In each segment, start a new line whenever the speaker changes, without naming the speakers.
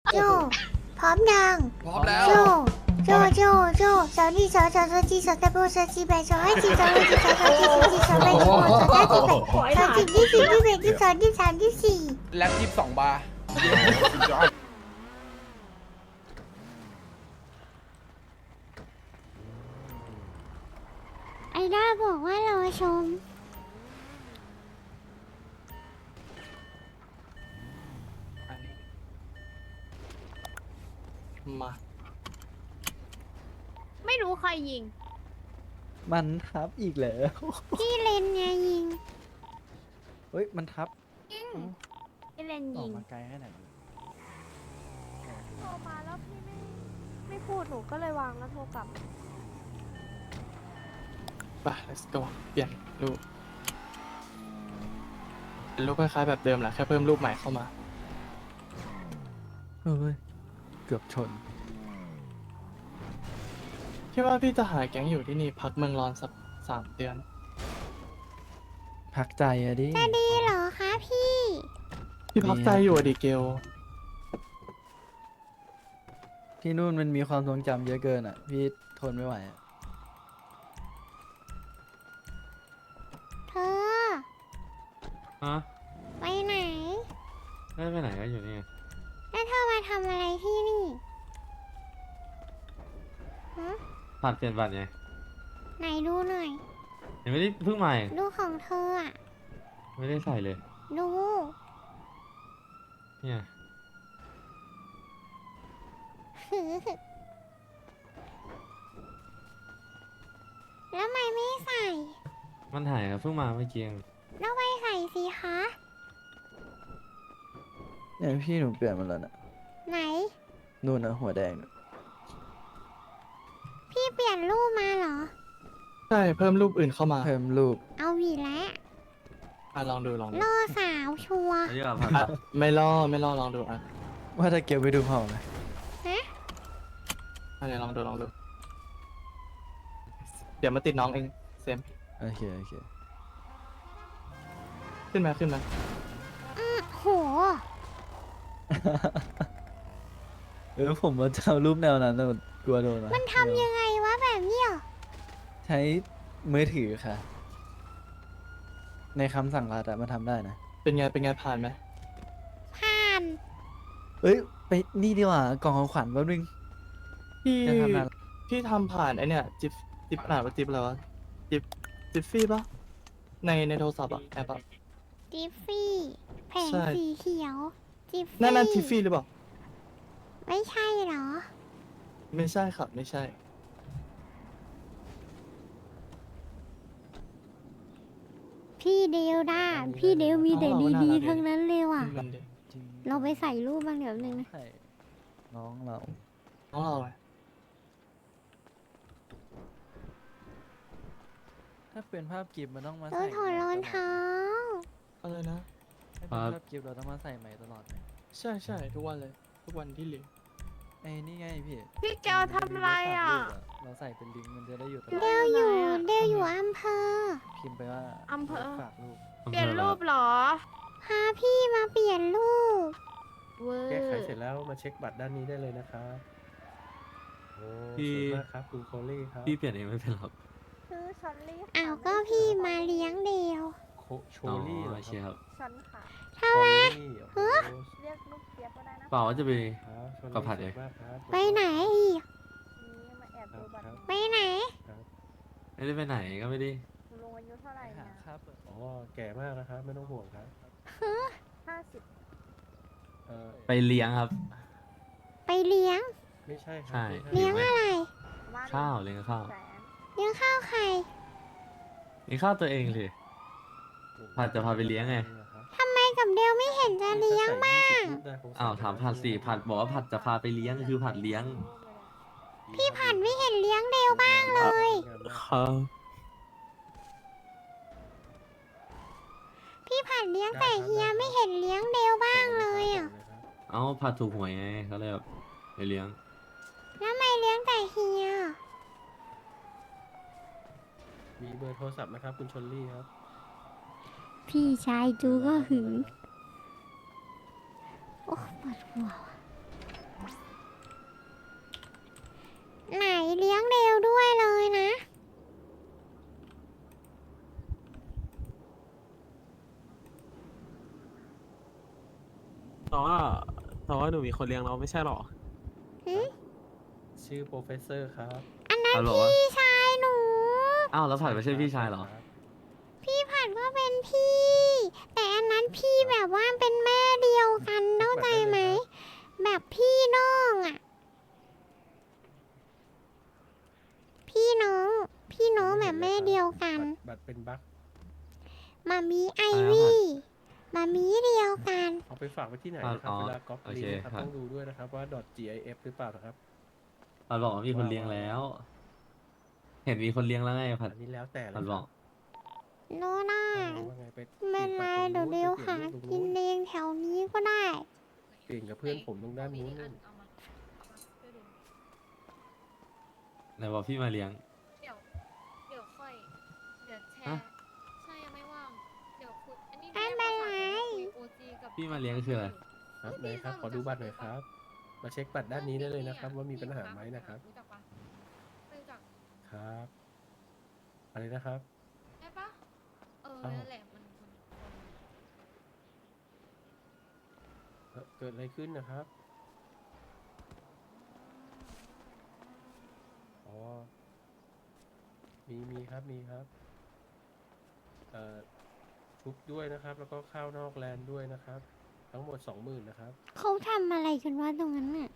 โจพร้อมยัง
พร้อมแล้ว
โจโจสาวนี่สาวจีสาวตะโบสาวจีแบสาวให้จีสาวให้จีสาวจีสาวจีสาวแบสาวสาวจีแบสาวจีที่สี่ที่แบที่สองที่สามที่สี่
แล็บ22 บาร์
ไอด้าบอกว่ารอชม
มา
ไม่รู้ใครยิง
มันทับอีกเหรอ
พี่เลนไงยิง
เฮ้ย มันทับ
ยิงไอเลน
ออ
ยิ
ก
ง
มาไกลขนาดนี้
โทรมาแล้วพี่ไม่พูดหนูก็เลยวางแล้วโทรกลับ
ไป let's go เปลี่ยนรูปเป็นรูปคล้ายๆแบบเดิมแหละแค่เพิ่มรูปใหม่เข้ามา
เฮ้ย เกือบชน
คิดว่าพี่จะหาแก๊งอยู่ที่นี่พักเมืองร้อนสัก3 เดือน
พักใจอะดิ
จะดีเหรอคะพี่
พี่พักใจอยู่อะดิเกล
ที่นู่นมันมีความทรงจำเยอะเกินอ่ะ พี่ทนไม่ไหวอ่ะ
เธอ
ฮะ
ไปไหน
ไม่ไปไหนก็อยู่นี่ไง
แล้วเธอมาทำอะไรที่นี่ฮะ
ผ่านเปลี่ยนบัตรไง
ไหนดูหน่อย
ยังไม่ได้เพิ่งใหม่
ดูของเธออ่ะ
ไม่ได้ใส่เลย
ดู
เนี่ย
แล้วทำไมไม่ใส่
มันถ่ายครับเพิ่งมาเมื่อกี้เอง
แล้วไปใส่สิคะ
เนี่ยพี่หนูเปลี่ยนมาแล้วนะ
ไหน
นู่นนะหัวแดงน่ะ
พี่เปลี่ยนรูปมาเหรอ
ใช่เพิ่มรูปอื่นเข้ามา
เพิ่มรูป
เอาหวีแล้ว
ลองดูลองดู
ล่อสาวชัวร์
เยอะผ่าน
อ่ะไม่ล่อลองดูอ่ะ
ว่าถ้าเก็บไปดูเผาไหม
ฮะ
เดี๋ยวลองดูเดี๋ยวมาติดน้องเองเซม
โอเค โอเค
ขึ้นมา
โห
ผมว่าจะเอารูปแนวนั้นแต่กลัวโดนนะ
มันทำยังไงวะแบบนี้เหรอ
ใช้มือถือค่ะ ในคำสั่งรัฐอะมันทำได้นะ
เป็นไงผ่านไหม
ผ่าน
เอ้ย ไปนี่ดีกว่ากล่องของขวัญแป๊บนึง
พี่
จะทำนาน
พี่ทำผ่านไอเนี่ยจิ๊บอ่านว่าจิ๊บอะไรวะจิ๊บฟี่ปะในโทรศัพท์อะแอปอะ
จิฟฟี่แผง
ใช่
สีเขียว จิฟฟี่
นั่นทิฟฟี่หรือเปล่า
ไม่ใช่เหรอ
ไม่ใช่ครับไม่ใช่
พี่เดวด้าพี่เดวมีแต่
เอาเราก็น่า
ดี
รัก
ๆทั้งนั้นเลยว่ะ
มันเด็ก
จริง
เราไปใส่รูปบ้างเดี๋ยวนึงนะ
ใช่น้องเรา
น้องเราไง
ถ้าเป็นภาพกิฟต์มันต้องมา
เรา
ใส่
ถอดรองเท้า
อะไรนะ
ถ้าเป็นภาพกิฟต์เราต้องมาใส่ใหม่ตลอดไหม
ใช่ทุกวันเลย ทุกวันที่เหลือ
ไอ้นี่ไงพี่
พี่แกวทำอะไรอ่ะ
เราใส่เป็นลิงก์มันจะได้อยู่ตลอ
เด
ด
วอยู่เดวอยู่อำเภอ
พิมพ์ไปว่า
อำเภอ
ฝากรูป
เปลี่ยนรูปเหรอ
พาพี่มาเปลี่ยนรูป
เวอร์
แก้ไขเสร็จแล้วมาเช็คบัตรด้านนี้ได้เลยนะครับโอ้สวยมากครับคุณโคลี่ครับ
พี่เปลี่ยนเองไม่เป็นหรอก
ชื่อชอนลี่
อ้าวก็พี่มาเลี้ยงเดว
โช
อ๋อ
ลี่เหรอ
โอเค
ค
ครับ รับ
ฉันค่ะ
โชลี่โอ้โห
เรียกลูกเจี๊ยบก็ได้นะ
เปล่าว่าจะไป
ครับโชลี่
ก็ผัดเอง
สวยมากครับ
ไปไหนอีก
นี่มาแอบดูบัตร
ไปไหน
ไม่ได้ไปไหนก็ไม่ได้
ลุงอายุเท่าไหร่
หา
เนี่ย
ค่าเปิด
อ๋อแก่มากนะครับ ไม่ต้องห่วงครับ
50
ไปเลี้ยงครับ
ไปเลี้ยง
ไม่ใช่ครั
ใช่
ไม่
เลี้ยงอะไร
บ้าน
ข้าวเลี้ยงข้าว
แสน
เลี้ยงข้าวใคร
เลี้ยงข้าวตัวเองเลย ผัดจะพาไปเลี้ยงไง
ทำไมกับเดวไม่เห็นจะเลี้ยงบ้าง
อ้าวถามผัดสิผัดบอกว่าผัดจะพาไปเลี้ยงคือผัดเลี้ยง
พี่ผัดไม่เห็นเลี้ยงเดวบ้างเลย
ครับ
พี่ผัดเลี้ยงแต่เฮียไม่เห็นเลี้ยงเดวบ้างเลยอ่ะ
เอ้าผัดถูกหวยไงเขาเลยแบบไปเลี้ยง
แล้วทำไมเลี้ยงแต่เฮีย
มีเบอร์โทรศัพท์นะครับ คุณชลลี่ครับ
พี่ชายจูก็หึง โอ้ปวดหัวว่ะ
เพราะว่าหนูมีคนเลี้ยงเราไม่ใช่หรอ
ชื่อโปรเฟสเซอร์ครับ
อันนั้น
เอาเหรอวะ
พี่ชายหนู
อ้าวแล้วผัดไม่ใช่พี่ชายเหรอ
ครับ
พี่ผัดก็เป็นพี่ แต่อันนั้นพี่แบบว่าเป็นแม่เดียวกันเข้าใจไหม แบบพี่น้องอ่ะ พี่น้องแบบแม่เดียวกัน
บัตรเป็นบั๊ก
มามีไอวี่มามีเดียวกัน
เอาไปฝากไว้ที่ไหนนะครับ
อ๋อ
เวลาก๊อป
โอ
ลิ
เค
งก์นะครับ
ครับ
ต้องดูด้วยนะครับว่า .gif หรือเปล่านะครับ
ผัดบอกว่ามีคนเลี้ยงแล้ว เห็นมีคนเลี้ยงแล้วไงผัด
อันนี้แล้วแต่เลย
ผัดบอก
โน่ได้
ว่าไงไป
ไม่เป็นไรเดี๋ยวเร็วหากินเองแถวนี้ก็ได้
เปลี่ยนกับเพื่อนผมตรงด้านนู้นนู่น
ไหนบอกพี่มาเลี้ยง
เดี๋ยวค่อย เดี๋ยวแช
ฮะ
ร์ ใช่ยังไม่ว่าง เดี๋ยวคุย อันนี้
ไม่เป็นไร
โอจีกับ
พี่มาเลี้ยงคืออะไร
ครับไหนครับขอดูบัตรหน่อยครับ มาเช็คบัตรด้านนี้ได้เลยนะครับ ว่ามีปัญหาไหมนะครับ
รู้จักปะไม่รู้จัก
ครับอะไรนะครับ
ได้ปะ
อ้าว
นั่นแหละมัน
เกิดอะไรขึ้นนะครับ อ๋อ มีครับ มีครับ ชุบด้วยนะครับ แล้วก็ข้าวนอกแลนด์ด้วยนะครับ ทั้งหมด 20,000นะครับ
เขาทำอะไรกันวะตรงนั้นน่ะ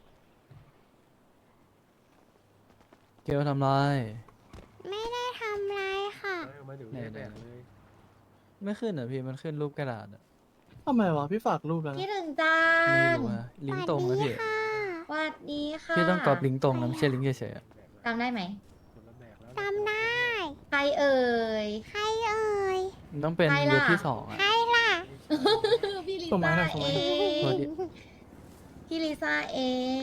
เกลทำไร
ไม่ได้ทำอะไรค่ะ
เอามาเดี๋ยวเรียกแบกเลย
ไม่ขึ้นอ่ะพี่มันขึ้นรูปกระดาษอะ
ทำไมวะพี่ฝากรูปแล้ว
คิด
นะ
ถึงจา
ไม่
น
รู้อะลิงก์ตรงนะพี่
สวัสดีค่ะ
พี่ต้องกรอบลิงก์ตรงนะไม่ใช่ลิงก์เฉยๆอะ
จำได้ไหม
คนละแบกแล้ว
จำได้
ใครเอ่ย
ใครเอ่ย
มันต้องเป็น
ใครล่ะ
เว็บที่สองอะ
ใครล่ะ
พี่ลิ
ส่งมา
ซ่า
ให้หน่อยส่ง
เอ
มาให้หน่อย
ง
สวัสดี
พี่ลิซ่าเอง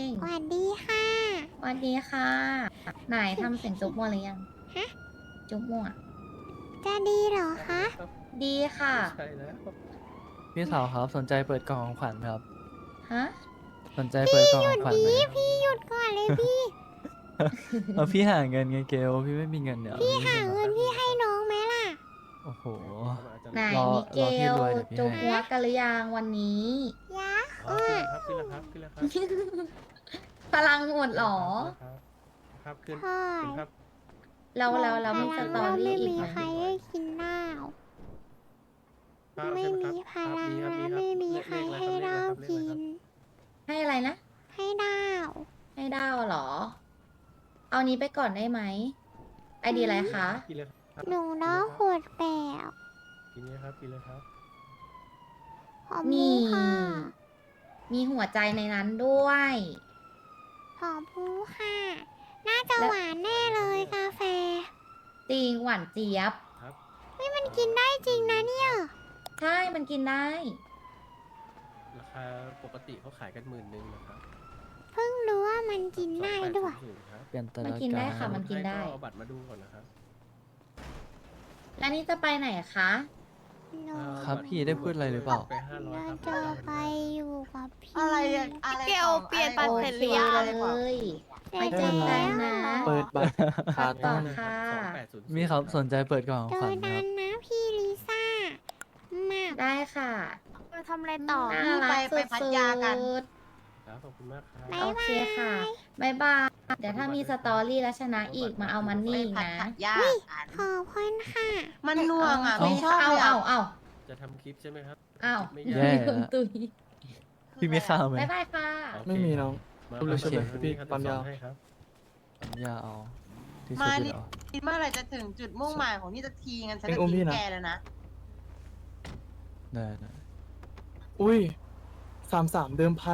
สวัสดีค่ะ
สวัสดีค่ะ ไหนทำเสียงจุ๊บมัวหรือยัง
ฮะ
จุ๊บมัว
จะดีเหรอคะ
ดีค่ะ
ใช่แล้ว
พี่สาวครับสนใจเปิดกล่องของขวัญไหมครับ
ฮะ
สนใจเปิดกล่องของขวัญไหม
พี่หยุดก่อนเลยพี่
เอาพี่หาเงินไงเกลพี่ไม่มีเงินเดี๋ยว
พี่หาเงินพี่ให้น้องไหมล่ะ
โอ้โห
ไหน
รอ
มิเก
รอพี่
ล
รวยเดี๋ยวพี่
จุ๊บ
ให้
หัวกันหรือยังวันนี้
ยะ
อ๋อขึ้นแล้วครับขึ้นแล้วครับขึ้นแล้วครับ
พลังหมดเหรอ
ครับขึ้น
ใช่
ขึ้นครับ
เรามีสตอรี่อีก
ไม่
ไหม
มีใครให้กินข้าว
ครับ
ไม่
ใช่ห
มี
ครับ
พลัง
ครับ
และ
ครับ
ไม่มีใครให้ดาวกิน
ให้อะไรนะ
ให้ดาว
ให้ดาวเหรอ เอานี้ไปก่อนได้ไหมไอดีอะไรคะ
กินเลยครับ
หนูน้องโหดแปด
กินเลยครับกินเลยครับ
ขอบคุณค่ะ
มีหัวใจในนั้นด้วย
ขอบคุณค่ะ น่าจะหวานแน่เลยกาแฟ
จริงหวานเจี๊ยบ
ครับ
นี่มันกินได้จริงนะเนี่ย
ใช่ มันกินได้
ราคาปกติเขาขายกัน11,000นะครับ
เพิ่งรู้ว่ามันกินได้ด้วย
2800ครับ
เปลี่ยนต
มัน
ลาด
กินได้
กา
ค่ะ
ร
มันกินได้
ให้เอาบัตรมาดูก่อนนะครับ
แล้วนี่จะไปไหนคะ
หนู
ครับพี่ได้พูดอะไรหรือเปล่า
ไป500
น่า
ครับ
จะไปอยู่กับพี่
อะไรเกลเปลี่ยนบัตรเสร็จหรือยัง
เลย
เสร็
ไป
จ
เจอกันนะ
เปิดบัตร
พักก่อน
นะ
ค่ะ
2800
มีครับสนใจเปิดกล่องของ
เจ
ขวั
อ
ญไหม
กั
ครับ
นนะพี่ลิซ่า มาก
ได้ค่ะ
ไปทำอะไรต่อ
น่ารักสุด
พัทยากัน
ครับขอบคุณมากครับ
บ๊าย
โอเคค่ะบายบาย เดี๋ยวถ้ามีสตอรี่แล้วชนะอีกมาเอามันนี่อีกนะ
ยาก
ขอบคุณค่ะ
มันน่วงอ่ะ
เอ้า
ไม่ชอบ
เอา
เลย
เอา
อ่ะ
เอา
จะทำคลิปใช่ไหมครับ
เอา
ไม่
แย่
ยาก
คุณตุย
พี่มีข้าวไหม
บายบายค่ะ
โอเค
ไม่มีน้อง
มา
ดูเลยใช่ไหม
ครับ
พี่
ครับ
ปั๊มยาว
ให้ครับ
ผมอยากเอาที่สุด
มา
เล
ดิ
ยเหรอ
คิดเมื่อไหร่จะถึงจุดมุ่งหมายของนี่จะทีกันฉัน
เอ็
จะ
งอุ้มพี่
ทิ้ง
นะ
แกแล้วนะ
ได้ได้
อุ้ย33เดิมพัน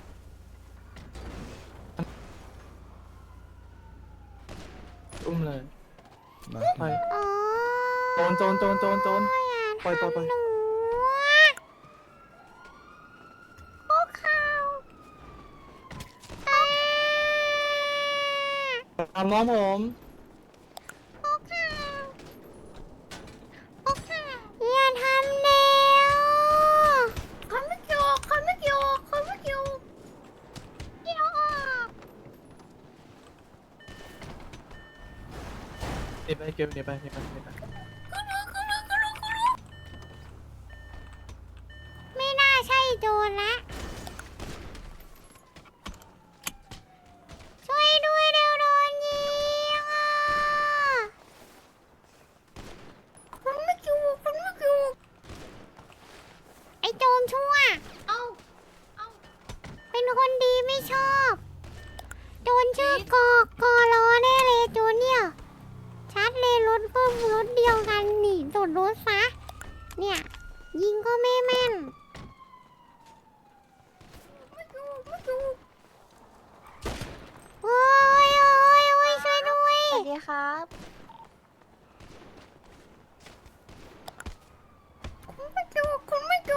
อุ้มเลย
มา
ไป
โอ้
โจรปล่อย
หนูอะพวกเขาอ่า
ตามน้องผม
พวกเขาพวกเขาอย่าทำเร็วคนไม่เกี่ยวคนไม่เกี่ยวคนไม่เกี่ยวเกี่ยวออก
หนีไปเก็บหนีไป
ไม่น่าใช่โจรละรถซะเนี่ยยิงก็ไม่แม่นโอ้ยโอ้ยโอ้ยช่วยด้วย
สวัสดีครับ
คุณไม่ดู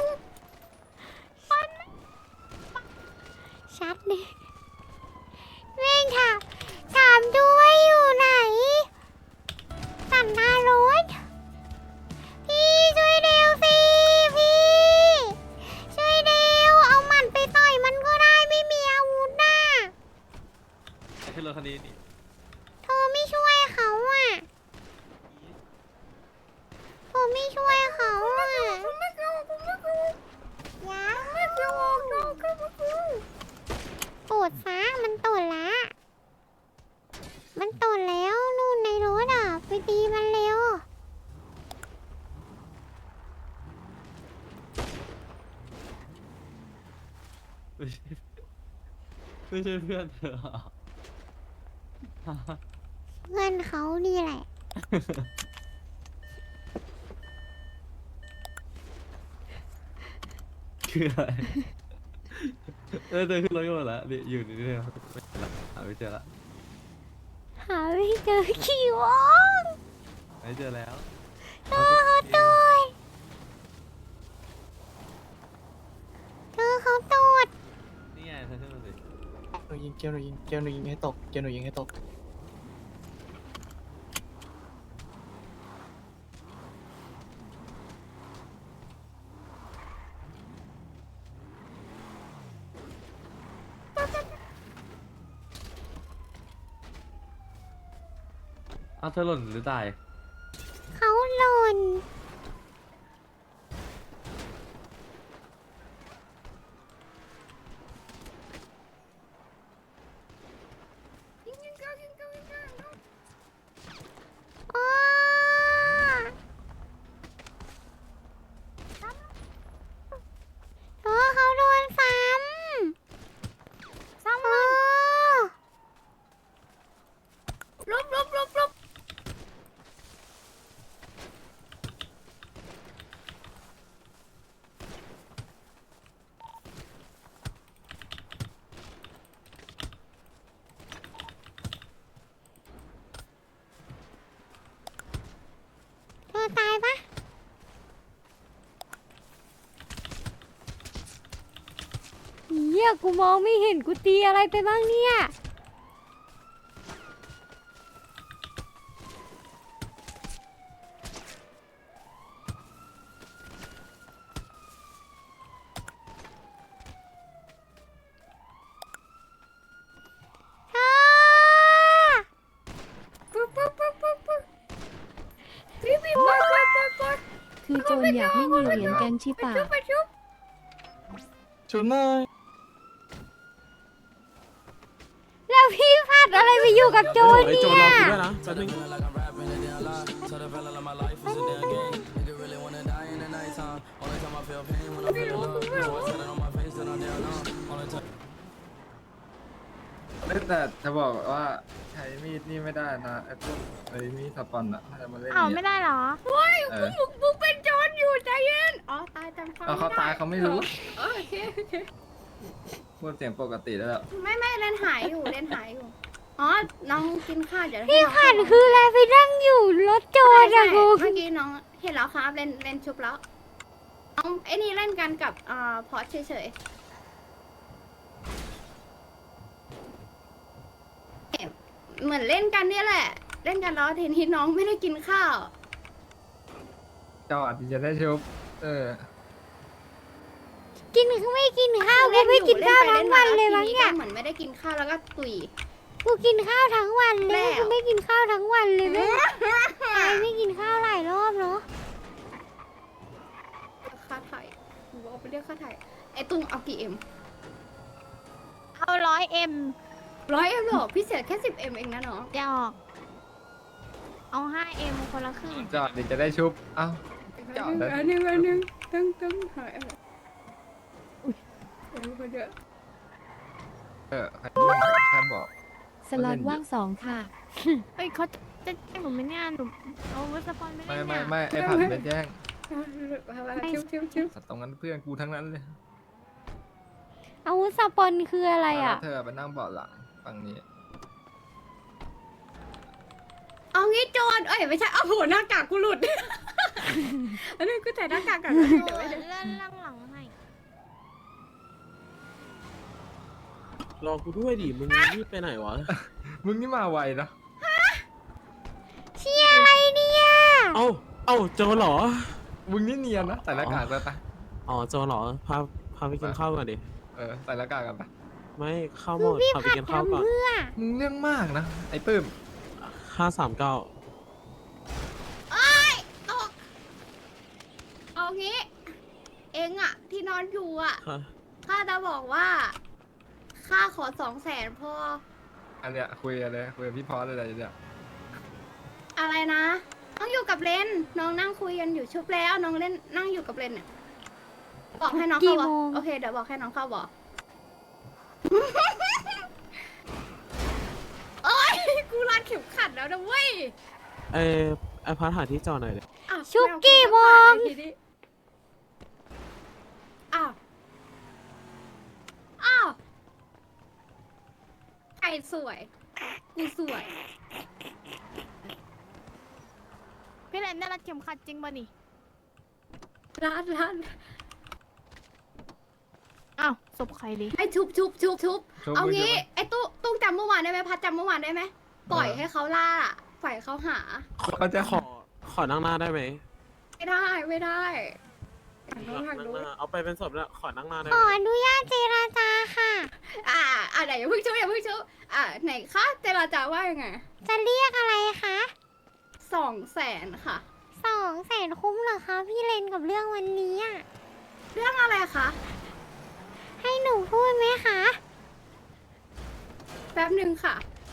ชัดเลยเร่งถามด้วยอยู่ไหนตัดหน้ารถพี่ช่วยเร็วสิพี่ช่วยเร็วเอาหมัดไปต่อยมันก็ได้ไม่มีอาวุธน่ะ
ขึ้นรถคันนี้นี่
เธอไม่ช่วยเขาอ่ะเธอไม่ช่วยเขาอ่ะโตดซะมันโตดละมันโตดแล้วนู่นในรถอ่ะไปตีมันเร็ว
ไม่ใช่เพื่อนเธอเหรอ
เพื่อนเขานี่แหละ
คืออะไรเธอขึ้นรถกันหมดแล้วนี่อยู่นี่เลยไม่เจอละหาไม่เจอละ
หาไม่เจอขี่วอง
ไม่เจอแล้ว
เธอเขาโตดเธอเขาโตด
นี่ไงเธอขึ้นมาสิ
หนูยิงเกลหนูยิงเกลหนูยิงให้ตกเกลหนูยิงให้ตก
เธอหล่นหรือตาย
เขาหล่นอ้าเขาโดนซ้ำมันลบ เธอตายปะเหี้ยกูมองไม่เห็นกูตีอะไรไปบ้างเนี่ย
คือโจรอยากไม่มีเหรียญกันชิปะ
ชุดหน่อย
แล้วพี่พัดอะไรไปอยู่กับโจร
ไอ้
เนี่
โจรรอกู
ย
ด้วยนะแป๊บนึง
แต่จะบอกว่าใช้มีดนี่ไม่ได้นะไอ้พวกไอ้มีดสปอนอะถ้าจะมาเล่น
เอา
นี่
ไม่ได้เหรอ
เออ
มึงเป็นโจรอยู่ใจเย็นอ๋อตายจำความ
เอาเขาตายเขาไม่รู้
โอเค
พูดเสียงปกติแล้ว
ไม่เล่นหายอยู่อ๋อน้องกินข้าวเดี๋ยวพี่ขันคืออะไรไปนั่งอยู่รถโจรอะกูเมื่อกี้น้องเห็นแล้วครับเล่นชุบแล้วน้องไอ้นี่เล่นกันกับพอสเฉยๆเหมือนเล่นกันเนี่ยแหละ เล่นกันแล้วทีนี้น้องไม่ได้กินข้าว
เจ้าอาจจะได้ชุบ
กินไม่กินข้าวกูไม่กินข้าวทั้งวันเลยมั้งเนี่ยเหมือนไม่ได้กินข้าวแล้วก็ตุยกูกินข้าวทั้งวันเลยกูไม่กินข้าวทั้งวันเลยไม่กินข้าวหลายรอบเนาะค่าถ่ายกูเอาไปเรียกค่าถ่ายไอ้ตุ้งเอากี่เอ็ม
เอา100M
100 เอ็มหรอพี่เสียแค่10 เอ็มเองนะเนาะ
จะออกเอา 5M คนละครึ่ง
เจ้าอาจจะได้ชุบเอ้า
อันหนึ่งตั้งหายอุ้ยคนเยอะ
ใครบอก
สล็อตว่าง2 ค่ะ
เฮ้ยเขาจะแจ้งหนูไหมเนี่ยหนูเอาวุฒิสปอนไม่
ไม่
ได้
ไม่
เนี่ย
ไม่ไอ้ผัดไม่แจ้ง
ชิว
สัตว์ตรงนั้นเพื่อนกูทั้งนั้นเลย
อาวุธสปอนคืออะไรอ่ะ
แล้วเธอไปนั่งเบาะหลังฝั่งนี้
เอางี้โจรเอ้ยไม่ใช่เอาโหหน้ากากกูหลุด อันนี้กูใส่หน้ากากกัน
เดี๋
เดี๋
ย
ยว ว
ไว้
ไว้
เลื่อนล่างหลังให้
รอกูด้วยดิ มึงรีบไปไหนวะ
มึงนี่มาไวนะ
เชียร์อะไรเนี่ย
เอ้าโจเหรอ
มึงนี่เนียนนะใส่หน้ากากไปปะ
อ๋อโจเหรอ พาไปกินข้าวก่อนดิ
ใส่หน้ากากกันปะ
ไม่ข้าวหมด
พี่
พาไป
ผัด
กินข้าว
ทำ
ก่อน
เพื่อ
มึงเรื่องมากนะไอ้ปื้ม
539
เอางี้ เองอะที่นอนอยู่อะ
ค่ะ
ข้าจะบอกว่าข้าขอ200,000พอ
อันเนี้ยคุยกันเลยคุยกับพี่พอสอะไรเนี่ย
อะไรนะน้องอยู่กับเลนน้องนั่งคุยกันอยู่ชุบแล้วน้องเล่นนั่งอยู่กับเลนเนี่ยบอกให้น้องเข้าบอกโอเคเดี๋ยวบอกให้น้องเข้าบอก โอ๊ยกูรัดเข็มขัดแล้วนะเว้ย
ไอพัดหาที่จอดหน่อยเลย
อ้าว
ชุกกี้วง
ไม่เอากูจะผ่านเลยทีนี้อ้าวอ้าวไก่สวยกูสวย
พี่เลนได้รัดเข็มขัดจริงป่ะนี่
ร้าน
อ้าวศพใครดิ
ไอ้ชุบ
ชุบ
เอา
มื
งี้
ใช่ปะ
ไอ้ตุ้งจำเมื่อวานได้ไหมพัดจำเมื่อวานได้ไหมปล่อยให้เขาล่าปล่อยเขาหา
เขาจะ
ขอนั่งหน้าได้ไหม
ไม่ได้ทางโน้น
นั่
ทาง
ง
โน้
ห
น
น้าเอาไปเป็นศพแล้วขอนั่งหน้าได้
ข
ไห
อ
ม
อนุญาตเจราจาค่ะ
ไหนอย่าเพิ่งชุบไหนคะเจรจาว่ายังไง
จะเรียกอะไรคะ
200,000ค่ะ
200,000คุ้มเหรอคะพี่เลนกับเรื่องวันนี้อะ
เรื่องอะไรคะ
ให้หนูพูดไหมคะ
แป๊บหนึ่งค่ะ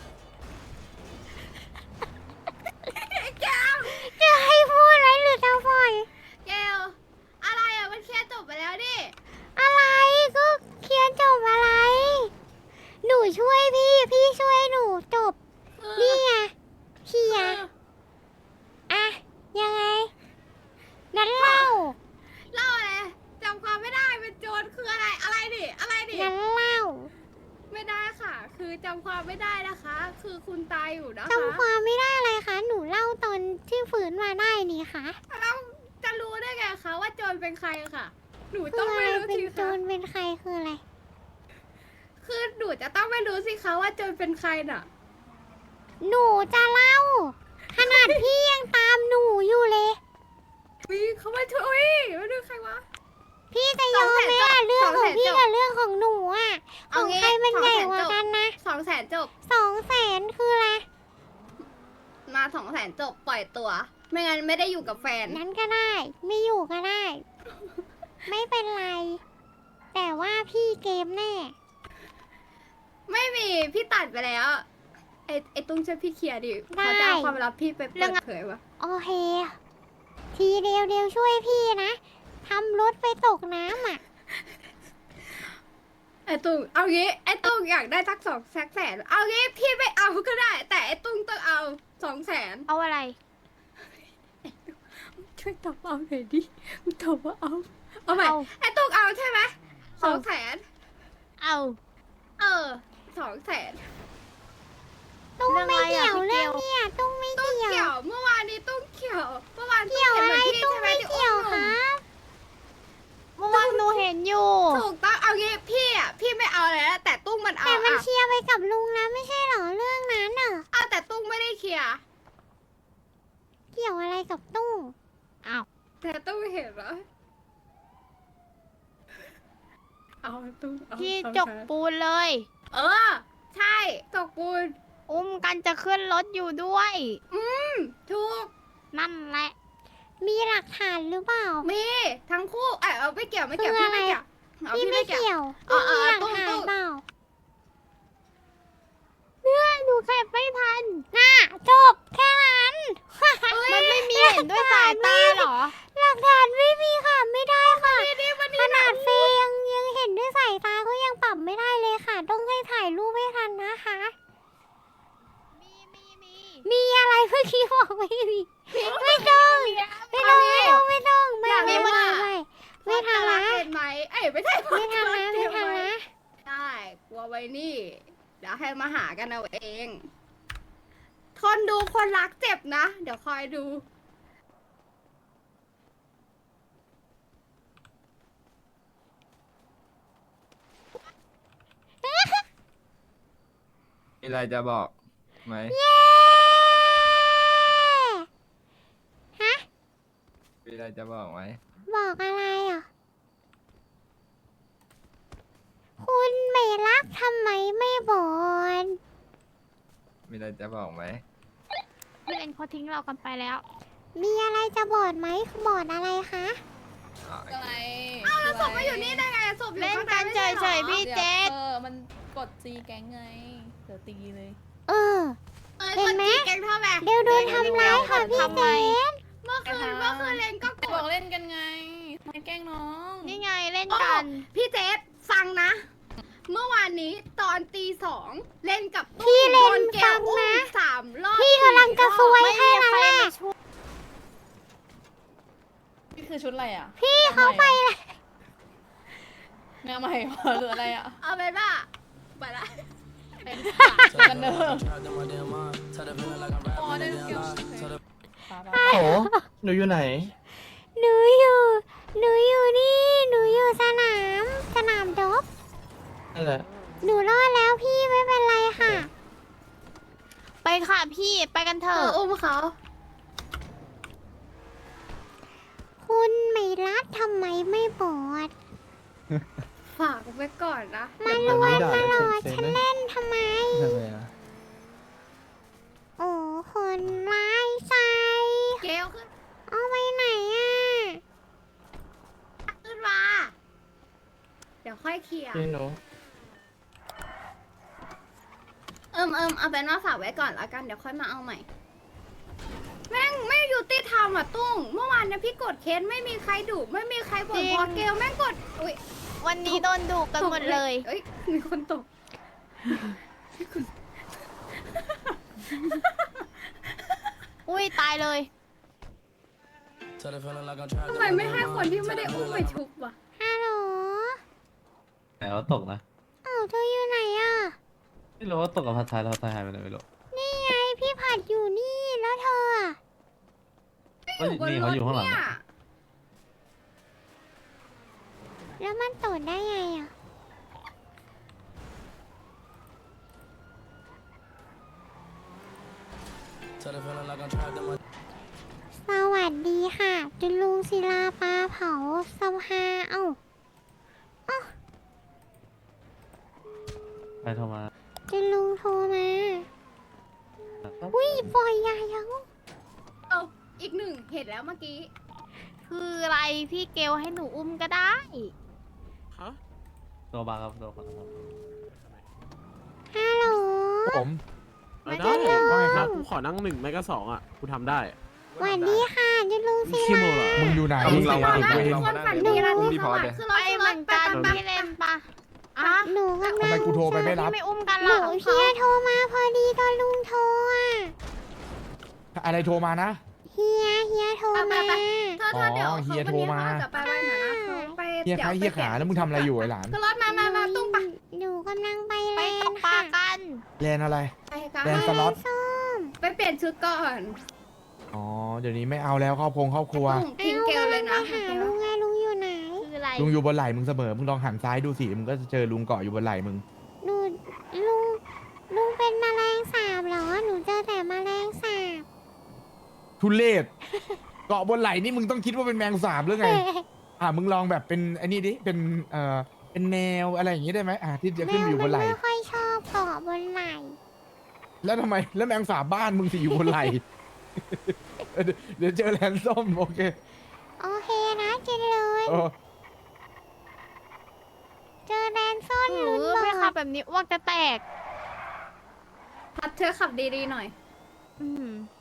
จะให้พูดไหมหรือจะปล่อย
เกลอะไรอะมันเคลียร์จบไปแล้วดิ
อะไรก็เคลียร์จบอะไร หนูช่วยพี่ พี่ช่วยหนูจบ นี่ไงเคลียร์อะยังไงงั้นเล่า
เล่าอะไรจำความไม่ได้เป็นโจรคืออะไรดิ
งั้นเล่า
ไม่ได้ค่ะ คือจำความไม่ได้นะคะ คือคุณตายอยู่นะคะ
จำความไม่ได้เลยคะ หนูเล่าตอนที่ฝืนมาได้นี่คะ
แล้วจะรู้ได้ไงคะว่าโจรเป็นใครค่ะ หนู
คื
ต้
อ
อง
อะไร
ไม่รู้
เป็น
สิ
โจ
คะ
รเป็นใครคืออะไร
คือหนูจะต้องไม่รู้สิคะว่าโจรเป็นใครน่ะ
หนูจะเล่า ขนาดพี่ยังตามหนูอยู่เลย
วิเขามาช่วยมาดูใครวะ
พี่จะยอมไหมอะเรื่องของพี่กับเรื่องของหนูอะข
เอา
อง
งี้
ใครมันใหญ่กว่า
200,000
กันนะ
200,000จบ
200,000คืออะไร
มา200,000จบปล่อยตัว ไม่งั้นไม่ได้อยู่กับแฟน
นั้นก็ได้ ไม่อยู่ก็ได้ ไม่เป็นไร แต่ว่าพี่เกมแน่
ไม่มีพี่ตัดไปแล้ว ไอ้ตุ้งช่วยพี่เคลียร์ดิ
ได้
เขาจะเอาความลับพี่ไปเปิดเผยวะ
โอเค ทีเดียวช่วยพี่นะทำรถไปตกน้ำอ่ะ
ไอ้ตุ้งเอางี้ไอ้ตุ้งอยากได้สัก200,000เอางี้พี่ไม่เอาก็ได้ แต่ไอ้ตุ้งต้องเอา200,000
เอาอะไร
ช่วยตอบเอาหน่อยดิมึงตอบว่าเอาใหม่
เอา
ไอ้ตุ้งเอาใช่ไหม200,000
เอา
200,000
ตุ้งไม่
เรื่
เกี่
อง
ยว
อะไร
เรื่
อะ
องเนี่ยตุ้งไม่
ตุ้ง
เกี่ยว
เกี่ยวเมื่อวานนี้ตุ้งเกี่ยวเมื่อวาน
เกี่ยวอะไร
ตุ้
ตุ้
ง
ง
เห็น
ไม่
พี่
เกี่ยว
ใช่ไหม
ครับ
เมื่อวานหนูเห็นอยู่
ถูกต้องเอางี้พี่ไม่เอาเลยนะแต่ตุ้งมันเอา
แต่มัน
อ่ะ
เคลียร์ไปกับลุงนะไม่ใช่เหรอเรื่องนั้นน่ะ
เอาแต่ตุ้งไม่ได้เคลียร์
เกี่ยวอะไรกับตุ้ง
อ้าว
แต่ตุ้งเห็นเหรอเอาตุ้งเอา
พี่
เอา
จกปูนเลย
เออ ใช่ตกปูน
อุ้มกันจะขึ้นรถอยู่ด้วย
ถูก
นั่นแหละ
มีหลักฐานหรือเปล่า
มีทั้งคู่เอาไม่เกี่ยวไม่เกี่ยว
คือ
พี่ไม่
อะไร
เกี่ยวเอา
พี่ไม่เกี่ยว
เอา
ตุ้งมีหลัก
ตุ้ง
ฐาน
ตุ้ง
เปล่า
เนี่ยหนูเก็บไม่ทัน
น่ะจบแค่นั้น
มันไม่มีเห็นด้วยสายตาเหรอ
หลักฐานไม่มีค่ะไม่ได้ค่ะขนาดเฟยยังเห็นด้วยสายตาก็ยังปรับไม่ได้เลยค่ะ ต้องให้ถ่ายรูปให้ทันนะคะ มีอะไรเมื่อกี้บอกไม่มีไม่ต้องไม่ต้องไม่ต้องไม่
อยาก
ไม่
รู้ว่า
ไม่ทำนะ
เป็นไหมเอ้ยไม่ใช่
ไม่ทำนะไม่ทำนะ
ได้กลัวไว้นี่ เดี๋ยวให้มาหากันเอาเอง ทนดูคนรักเจ็บนะ เดี๋ยวคอยดู
มีอะไรจะบอกไหม
เย้ฮะ
มีอะไรจะบอกไหม
บอกอะไรอ่ะคุณไม่รักทำไมไม่บอก
มีอะไรจะบอกไหม
พี่เลนเขาทิ้งเรากันไปแล้ว
มีอะไรจะบอกไหมบอกอะไรคะ
อ๋อ
อะไร
อ้าวแล้วศพมาอยู่นี่ได้ไงศพอยู่ข้างในไม่ใช่เหรอ
พี่เจษ
มันกดซีแก๊งไง เดี๋ยวตีเลย
เออ
เห็นไหมแกงเท่าไหร่
เดี๋ยวโดนทำร้ายค่ะพี่เจน
เมื่อคืนเลนก็ก
บอก
ด
เล่นกันไงไม่แกล้งน้อง
นี่ไงเล่นกัน
พี่เจษฟังนะ เมื่อวานนี้ตอนตีสองเล่นกับ
พี่เล่น
โดแก้
ฟั
ว
ง
อุ้ม
นะ
3 รอบ
พี่กำลังจะซวยให้
ใค
แล้ว
ร
แหละ
มาช่วย
นี่คือชุดอะไรอ่ะ
พี่เขาไปเลย
แนวใหม่เหรอหรืออะไรอ่ะ
เอาเป็นว่าไปละ
เป็นกันเนอร์อ๋อได้เกี่ยว
โอ้หนูอยู่ไหน
หนูอยู่นี่หนูอยู่สนามดบ
นั่นแหละ
หนูรอดแล้วพี่ไม่เป็นไรค่ะ
ไปค่ะพี่ไปกันเถ
อุ้มเขา
คุณไม่รักทำไมไม่บอก
ฝากไว้ก่อนนะ
มา
เดี๋
ล
ยว
ว
นี้
ย
ด่า
ตลอด
เซ็ง
ฉัน
ๆนะ
เล่นทำไม
ทำไมอะ
โอ้คนร้ายใจ
เกลขึ้น
เอาไปไหนอ่ะ
ขึ้นมา เดี๋ยวค่อยเคลียร์
พี่หนู
เอาเป็นว่าฝากไว้ก่อนแล้วกัน เดี๋ยวค่อยมาเอาใหม่ แม่งไม่ยุติธรรมอ่ะตุ้ง เมื่อวานเนี่ยพี่กดเคสไม่มีใครดุไม่มีใครบ่นพอเกลแม่งกด อุ้ย
วันนี้โดนดุกันหมดเลย
เอ้ย มีคนตก
อุ้ยตายเลย
ทำไมไม่ให้คนที่ไม่ได้อุ้มไปชุบวะ
ฮัลโหล
แต่ว่าตกนะ
เอ้าเธออยู่ไหนอ่ะ
ไม่รู้ว่าตกกับพัดท้ายแล้วพัดท้ายหายไปไหนไม่รู้
นี่ไงพี่ผัดอยู่นี่แล้วเธออะ
ก็นี่เขาอยู่ข้างหลัง
เนี่ย
อะ
แล้วมันตดได้ไงอ่ะ สวัสดีค่ะจุลุงศิลาปลาเผาสภาเอ้า
ใครโทรมา
จุลุงโทรมาอุ้ยปล่อยยายัง
เอาอีกหนึ่งเห็นแล้วเมื่อกี้
คืออะไรพี่เกลให้หนูอุ้มก็ได้
ตัวบางครับตัวบางครับ
ฮัลโหล
ผม
ไม่ได้เลย
ว่าไงครับกูขอนั่ง1ไม่ก็2อ่ะกูทำได้
สวัสดีค่ะจุลุงศิลา
มึงอยู่ไหน
เรามา
ทุกคนฝันดีนะ
อุ้ม
ที่
พี่พ
ส
อ
วั
ส
ส
เลย
ดิ์คือ
ไป
เรา
เหมือนกัน
ไป
พี่เล่นปะ
อ่ะหนูกำลัง
ทำไมกูโทรไปไม่รับ
พี่ไม่อุ้มกัน
ห
ล่ะ
นูเฮียโทรมาพอดีตอนลุงโทรอ่ะ
อะไรโทรมานะ
เฮียโทรมา
เธอเดี๋ยว
อ๋อเฮียโทรมา
วันนี้เขจะไปไว้ไหนนะเขาไป
เฮีย
ดี๋ว
ขา
ไป
เฮียขาแล้วมึงทำอะไรอยู่ไอ้หลาน
คือรถมาตุ้งไป
หนูกำลังไป
ไป
เล่
ต
น
กปลา
ค่ะ
กัน
แลนอะไร
ไปกัน
แลนสล็อต
ส้ม
ไปเปลี่ยนชุดก่อน
อ๋อ เดี๋ยวนี้ไม่เอาแล้วครอบครัว
ตุ้งทิ้งเกลเลยนะ
หาลุงไงลุงอยู่ไหน
คืออะไร
ลุงอยู่บนไหล่มึงเสมอ มึงลองหันซ้ายดูสิ มึงก็จะเจอลุงเกาะอยู่บนไหล่มึง
หนูลุงเป็นแมลงสาบเหรอ หนูเจอแต่แมลงสาบ
ทุเรศ เกาะบนไหล่นี่มึงต้องคิดว่าเป็นแมงสาบหรือไง มึงลองแบบเป็นไอ้นี่ดิ เป็นแนวอะไรอย่างงี้ได้ไหมที่จะ
แม
ขึ้น
ว
อยู่บ
มัน
นไหล่
ไม่ค่อยชอบเกาะบนไหล่
แล้วทำไม แล้วแมงสาบบ้านมึงสิอยู่บนไหล่ เดี๋ยวเจอแลนส้มโอเค
โอเคนะกินเลย
โอ้
เจอแดนซ่อน
หนู
ลุ้น
ไป
บ
ขั
อบ ก
แบบนี้อ้วกจะแตก
พัดเธอขับดีๆหน่อย
อืม